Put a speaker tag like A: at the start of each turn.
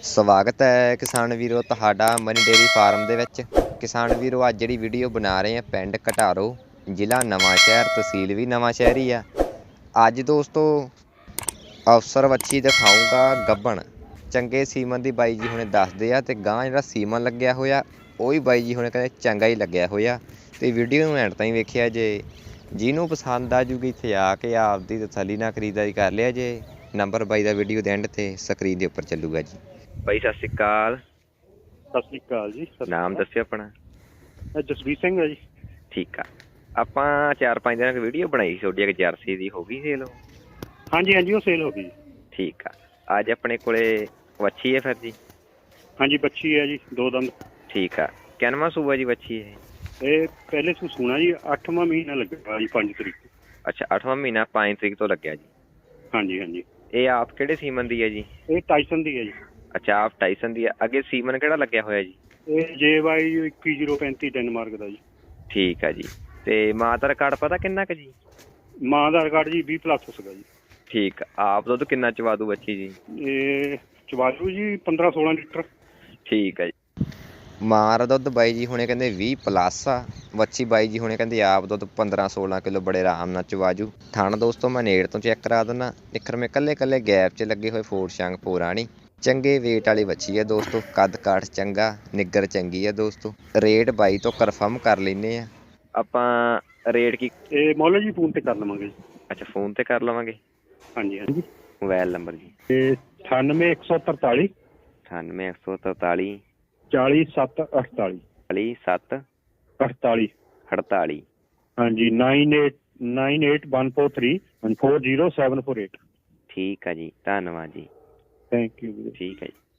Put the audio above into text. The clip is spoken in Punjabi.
A: ਸਵਾਗਤ ਹੈ ਕਿਸਾਨ ਵੀਰੋ ਤੁਹਾਡਾ ਮਨੀ ਡੇਅਰੀ ਫਾਰਮ ਦੇ ਵਿੱਚ। ਕਿਸਾਨ ਵੀਰੋ ਅੱਜ ਜਿਹੜੀ ਵੀਡੀਓ ਬਣਾ ਰਹੇ ਆ ਪਿੰਡ ਘਟਾਰੋ, ਜ਼ਿਲ੍ਹਾ ਨਵਾਂਸ਼ਹਿਰ, ਤਹਿਸੀਲ ਵੀ ਨਵਾਂਸ਼ਹਿਰ ਹੀ ਆ। ਅੱਜ ਦੋਸਤੋ ਅਫਸਰ ਵੱਛੀ ਦਿਖਾਊਂਗਾ ਗੱਬਣ, ਚੰਗੇ ਸੀਮਨ ਦੀ ਬਾਈ ਜੀ ਹੁਣੇ ਦੱਸਦੇ ਆ। ਤੇ ਗਾਂ ਜਿਹੜਾ ਸੀਮਨ ਲੱਗਿਆ ਹੋਇਆ ਉਹ ਵੀ ਬਾਈ ਜੀ ਹੁਣੇ ਕਹਿੰਦੇ ਚੰਗਾ ਹੀ ਲੱਗਿਆ ਹੋਇਆ। ਤੇ ਵੀਡੀਓ ਨੂੰ ਐਂਡ ਤਾਈਂ ਵੇਖਿਆ ਜੇ, ਜਿਹਨੂੰ ਪਸੰਦ ਆ ਜੂਗੀ ਇੱਥੇ ਆ ਕੇ ਆਪਦੀ ਤਸੱਲੀ ਨਾਲ ਖਰੀਦਦਾਰੀ ਕਰ ਲਿਆ ਜੇ। ਨੰਬਰ ਬਾਈ ਦਾ ਵੀਡੀਓ ਦੇ ਐਂਡ ਤੇ ਸਕਰੀਨ ਦੇ ਉੱਪਰ ਚੱਲੂਗਾ ਜੀ। ਬਾਈ ਸਤਿ ਸ਼੍ਰੀ ਅਕਾਲ।
B: ਸਤਿ ਸ਼੍ਰੀ ਅਕਾਲ ਜੀ।
A: ਨਾਮ ਦੱਸਿਓ ਆਪਣਾ।
B: ਜਸਵੀਰ ਸਿੰਘ ਹੈ ਜੀ।
A: ਠੀਕ ਆ, ਆਪਾਂ 4-5 ਦਿਨਾਂ ਦੀ ਵੀਡੀਓ ਬਣਾਈ ਤੁਹਾਡੀ ਇੱਕ ਜਰਸੀ ਦੀ, ਹੋ ਗਈ ਸੇਲ ਉਹ?
B: ਹਾਂਜੀ ਹਾਂਜੀ, ਉਹ ਸੇਲ ਹੋ ਗਈ।
A: ਠੀਕ ਆ, ਅੱਜ ਆਪਣੇ ਕੋਲੇ ਵੱਛੀ ਹੈ ਫਿਰ ਜੀ?
B: ਹਾਂਜੀ, ਬੱਚੀ ਹੈ ਜੀ, 2 ਦੰਦ।
A: ਠੀਕ ਆ, ਕਿੰਨਵਾਂ ਸੂਆ ਜੀ ਵੱਛੀ
B: ਇਹ ਪਹਿਲੇ ਸੂਣਾ ਜੀ, 8ਵਾਂ ਮਹੀਨਾ ਲੱਗੇਗਾ ਜੀ, 5 ਤਰੀਕ।
A: ਅੱਛਾ, 8ਵਾਂ ਮਹੀਨਾ 5 ਤਰੀਕ ਤੋਂ ਲੱਗਿਆ ਜੀ।
B: ਹਾਂਜੀ ਹਾਂਜੀ।
A: ਇਹ ਆਪ ਕਿਹੜੇ ਸੀਮਨ ਦੀ ਹੈ ਜੀ?
B: ਇਹ ਟਾਈਸਨ ਦੀ ਹੈ ਜੀ।
A: ਅੱਛਾ, ਆਪ ਟਾਈਸਨ ਦੀ ਆ। ਅੱਗੇ ਸੀਮਨ ਕਿਹੜਾ ਲੱਗਿਆ ਹੋਇਆ ਜੀ?
B: ਇਹ JY 21035 ਡੈਨਮਾਰਕ ਦਾ ਜੀ।
A: ਠੀਕ ਆ ਜੀ। ਤੇ ਮਾਂ ਦਾ ਰਿਕਾਰਡ ਪਤਾ ਕਿੰਨਾ ਕੁ ਜੀ?
B: ਮਾਂ ਦਾ ਰਿਕਾਰਡ ਜੀ 20+ ਸੀਗਾ ਜੀ।
A: ਠੀਕ ਆ, ਆਪ ਦੁੱਧ ਕਿੰਨਾ ਚਵਾ ਦੂ ਬੱਚੀ ਜੀ?
B: ਇਹ ਚਵਾਜੂ ਜੀ 15-16 ਲੀਟਰ।
A: ਠੀਕ ਆ ਜੀ। ਮਾਂ ਦਾ ਦੁੱਧ ਬਾਈ ਜੀ ਹੁਣੇ ਕਹਿੰਦੇ 20+ ਆ। ਵੱਛੀ ਬਾਈ ਜੀ ਹੁਣੇ ਕਹਿੰਦੇ ਆਪ ਦੁੱਧ 15-16 ਕਿਲੋ ਬੜੇ ਆਰਾਮ ਨਾਲ ਚਵਾਜੂ। ਥਣ ਦੋਸਤੋ ਮੈਂ ਨੇੜ ਤੋਂ ਚੈੱਕ ਕਰਾ ਦਿੰਦਾ। ਨਿੱਖਰ ਮੇ ਕੱਲੇ ਗੈਪ 'ਚ ਲੱਗੇ ਹੋਏ ਫੋਰ ਸ਼ੰਗ ਪੋਰਾਣੀ, ਚੰਗੇ ਵੇਟ ਵਾਲੀ ਵੱਛੀ ਹੈ ਦੋਸਤੋ। ਕੱਦ ਕਾਠ ਚੰਗਾ, ਨਿੱਗਰ ਚੰਗੀ ਹੈ ਦੋਸਤੋ। ਰੇਟ ਬਾਈ ਤੋਂ ਕਨਫਰਮ ਕਰ ਲੈਂਦੇ ਆ ਆਪਾਂ। ਰੇਟ ਕੀ
B: ਇਹ ਮੁੱਲ ਜੀ ਫੋਨ ਤੇ ਕਰ ਲਵਾਂਗੇ ਜੀ।
A: ਅੱਛਾ, ਫੋਨ ਤੇ ਕਰ ਲਵਾਂਗੇ।
B: ਹਾਂਜੀ ਹਾਂਜੀ।
A: ਮੋਬਾਈਲ ਨੰਬਰ ਜੀ?
B: ਇਹ 98143
A: 98143
B: 40748
A: 40748।
B: 48। ਹਾਂਜੀ, 989143 40748।
A: ਠੀਕ ਆ ਜੀ, ਧੰਨਵਾਦ ਜੀ।
B: Thank you.
A: ਠੀਕ ਹੈ ਜੀ।